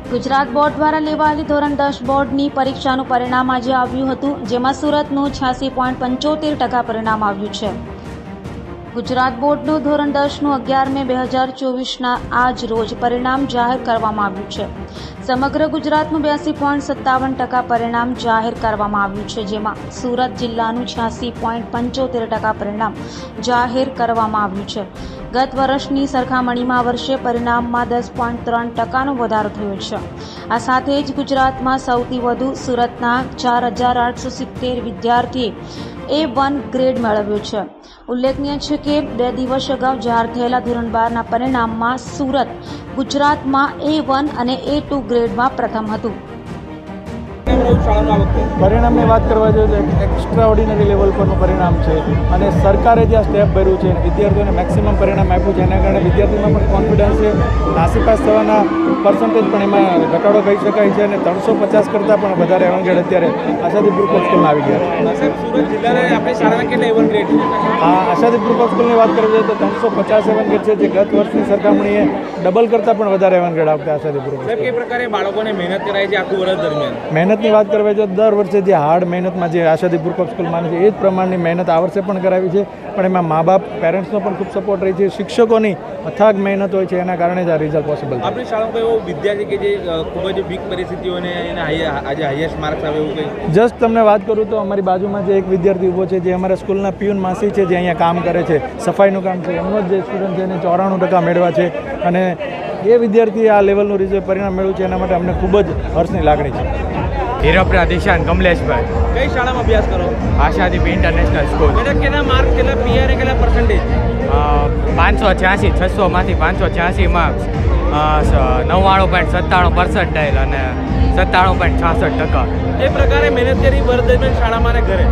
Gujarat board દ્વારા લેવાયેલી ધોરણ 10 બોર્ડની પરીક્ષાનું પરિણામ આજે આવ્યું હતું, જેમાં સુરતનું 86.75% પરિણામ આવ્યું છે. ગુજરાત બોર્ડનું ધોરણ 10નું 11 મે 2024ના આજ રોજ પરિણામ જાહેર કરવામાં આવ્યું છે. સમગ્ર ગુજરાતનું 82.57% પરિણામ જાહેર કરવામાં આવ્યું છે, જેમાં સુરત જિલ્લાનું 86.75% પરિણામ જાહેર કરવામાં આવ્યું છે. ગત વર્ષની સરખામણીમાં વર્ષે પરિણામમાં 10.3%નો વધારો થયો છે. આ સાથે જ ગુજરાતમાં સૌથી વધુ સુરતના 4,870 વિદ્યાર્થીએ A1 ગ્રેડ મેળવ્યો છે. ઉલ્લેખનીય છે કે 2 દિવસ અગાઉ જાહેર થયેલા ધોરણ 12ના પરિણામમાં સુરત ગુજરાતમાં A1 અને A2 ગ્રેડમાં પ્રથમ હતું. પરિણામની વાત કરવા જોઈએ તો એક્સ્ટ્રા ઓર્ડિનરી લેવલ પરનું પરિણામ છે અને સરકારે જે આ સ્ટેપ ભર્યું છે વિદ્યાર્થીઓને મેક્સિમમ પરિણામ આપ્યું છે, એના કારણે વિદ્યાર્થીઓમાં પણ કોન્ફિડન્સ છે. નાસીપાસ થવાના પર્સન્ટેજ પણ એમાં ઘટાડો કહી શકાય છે અને 350 કરતાં પણ વધારે એવંગેડ અત્યારે આશાદી ગ્રુપ ઓફ સ્કૂલમાં આવી ગયા છે. સુરત જિલ્લાને આપણી શાળાના કેટલા એવન ગ્રેડ છે? આશાદી ગ્રુપ ઓફ સ્કૂલની વાત કરવી જોઈએ તો 350 એવંગેડ છે, જે ગત વર્ષની સરખામણીએ ડબલ કરતાં પણ વધારે એવંગેડ આવતા આશાદી ગ્રુપ. સાહેબ, કઈ પ્રકારે બાળકોને મહેનત કરાય છે આખું વર્ષ દરમિયાન? મહેનતની વાત કરવા જો દર વર્ષે જે હાર્ડ મહેનતમાં જે આશાદી ગ્રુપ ઓફ સ્કૂલ માને છે એ જ પ્રમાણની મહેનત આ વર્ષે પણ કરાવી છે, પણ એમાં મા બાપ પેરેન્ટ્સનો પણ ખૂબ સપોર્ટ રહી છે. શિક્ષકોની અથાગ મહેનત હોય છે, એના કારણે જ આ રિઝલ્ટ પોસિબલ છે. આપણી શાળામાં એવો વિદ્યાર્થી કે જે ખૂબ જ વીક પરિસ્થિતિઓને એને આજે હાઈએસ્ટ માર્ક્સ આવે એવું કંઈ? જસ્ટ તમને વાત કરું તો અમારી બાજુમાં જે એક વિદ્યાર્થી ઊભો છે, જે અમારા સ્કૂલના પિયુન માસી છે, જે અહીંયા કામ કરે છે, સફાઈનું કામ છે, એમનો જ જે સ્ટુડન્ટ છે એને 94% મેળવ્યા છે અને એ વિદ્યાર્થીએ આ લેવલનું રિઝલ્ટ પરિણામ મેળવ્યું છે, એના માટે અમને ખૂબ જ હર્ષની લાગણી છે. હીરોપરા દિશાન કમલેશભાઈ. કઈ શાળામાં અભ્યાસ કરો? Ashadeep international school. બેટા કેટલા માર્ક્સ, કેટલા પીઆર, કેટલા પર્સન્ટેજ? 586, 600માંથી 586 માર્ક્સ, 99.97 પર્સન્ટાઇલ અને 97.66%. એ પ્રકારે મહેનત કરી વર્ષ દરમિયાન શાળામાં અને ઘરે?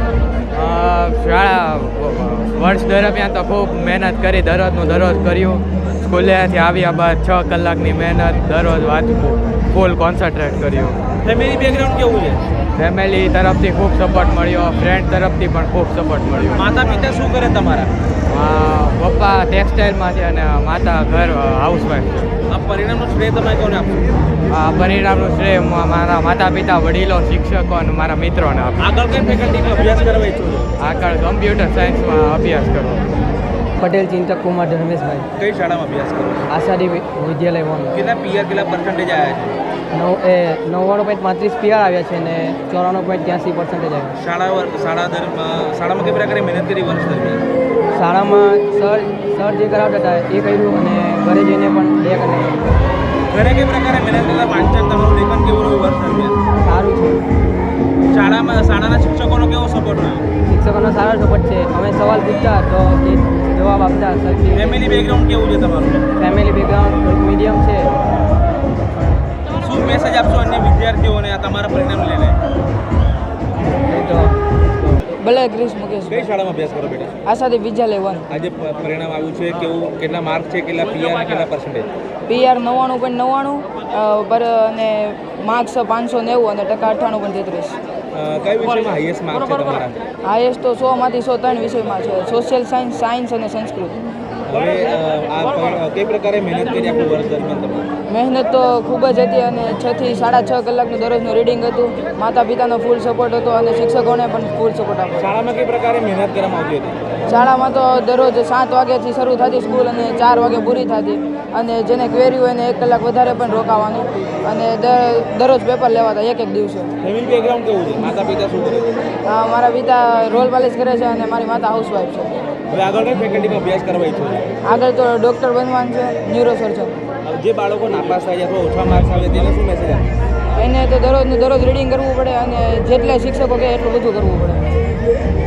શાળા વર્ષ દરમિયાન તો ખૂબ મહેનત કરી, દરરોજ કર્યું. સ્કૂલેથી આવ્યા બાદ 6 કલાકની મહેનત, દરરોજ વાંચવું, ફૂલ કોન્સન્ટ્રેટ કર્યું. ફેમિલી બેકગ્રાઉન્ડ કેવું છે? ફેમિલી તરફથી ખૂબ સપોર્ટ મળ્યો, ફ્રેન્ડ તરફથી પણ ખૂબ સપોર્ટ મળ્યો. માતા પિતા શું કરે તમારા? પપ્પા ટેક્સટાઇલમાં છે અને માતા ઘર હાઉસવાઈફ છે. આ પરિણામનું શ્રેય તમે કોને આપશો? આ પરિણામનું શ્રેય મારા માતા પિતા, વડીલો, શિક્ષકો અને મારા મિત્રોને આપું. આગળ કઈ ફેકલ્ટીમાં અભ્યાસ કરવા ઈચ્છો છો? આગળ કમ્પ્યુટર સાયન્સમાં અભ્યાસ કરવો. પટેલ ચિંતક કુમાર ધર્મેશભાઈ. કઈ શાળામાં અભ્યાસ કરો? આશાદી વિદ્યાલય વન. કેટલા પીઆર, કેટલા પર્સન્ટેજ આવ્યા છે? 99.35 પીઆર આવ્યા છે અને 94.83% આવ્યા. શાળામાં કઈ પ્રકારે મહેનત કરી વર્ષ દરમિયાન? શાળામાં સર જે કરાવતા હતા એ કર્યું અને ઘરે જઈને પણ 2 કલાક. ઘરે કઈ પ્રકારે મહેનત કરતા વાંચન, તમારું લેખન કેવું રહ્યું વર્ષ દરમિયાન? સારું છે. શાળાના શિક્ષકોનો કેવો સપોર્ટ રહ્યો? શિક્ષકોનો સારો સપોર્ટ છે. અમે સવાલ પૂછતા તો એ જવાબ આપતા. ફેમિલી બેકગ્રાઉન્ડ કેવું છે તમારું? ફેમિલી બેકગ્રાઉન્ડ મીડિયમ છે. શું મેસેજ આપશો અન્ય વિદ્યાર્થીઓને આ તમારા પરિણામ લઈને? ભલે ક્રિશ મુકેશ. કઈ શાળામાં અભ્યાસ કરો બેટા? આશાદી વિદ્યાલય વન. આજે પરિણામ આવ્યું છે, કેવું, કેટલા માર્ક છે, કેટલા પીઆર, કેટલા પર્સન્ટેજ? પીઆર 99.99 અને માર્ક્સ 590 અને ટકા 98.33. કઈ વિષયમાં હાઈએસ્ટ માર્ક છે તમારા? હાઈએસ્ટ તો 100માંથી 103 વિષયમાં છે. સોશિયલ સાયન્સ અને સંસ્કૃત. હવે આ કઈ પ્રકારે મહેનત કરી આખું વર્ષ દરમિયાન તમે? મહેનત તો ખૂબ જ હતી અને 6 થી 6.5 કલાકનું દરરોજનું રીડિંગ હતું. માતા પિતાનો ફૂલ સપોર્ટ હતો અને શિક્ષકોને પણ ફૂલ સપોર્ટ આપ્યો. શાળામાં કઈ પ્રકારે મહેનત કરવામાં આવતી હતી? શાળામાં તો દરરોજ 7 વાગ્યાથી શરૂ થતી સ્કૂલ અને 4 વાગે પૂરી થતી, અને જેને ક્વેરી હોય એને 1 કલાક વધારે પણ રોકાવાનું અને દરરોજ પેપર લેવાતા એક દિવસે. ફેમિલી બેકગ્રાઉન્ડ કેવું છે? માતા પિતા શું કરે? મારા પિતા રોલ પાલિશ કરે છે અને મારી માતા હાઉસવાઈફ છે. હવે આગળ કઈ ફેકલ્ટીમાં અભ્યાસ કરવા ઈચ્છો છો? આગળ તો ડૉક્ટર બનવાનું છે, ન્યુરોસર્જન. જે બાળકો નાપાસ થાય અથવા ઓછા માર્ક્સ આવે તેને શું મેસેજ આપે? એને તો દરરોજ રીડિંગ કરવું પડે અને જેટલા શિક્ષકો કહે એટલું બધું કરવું પડે.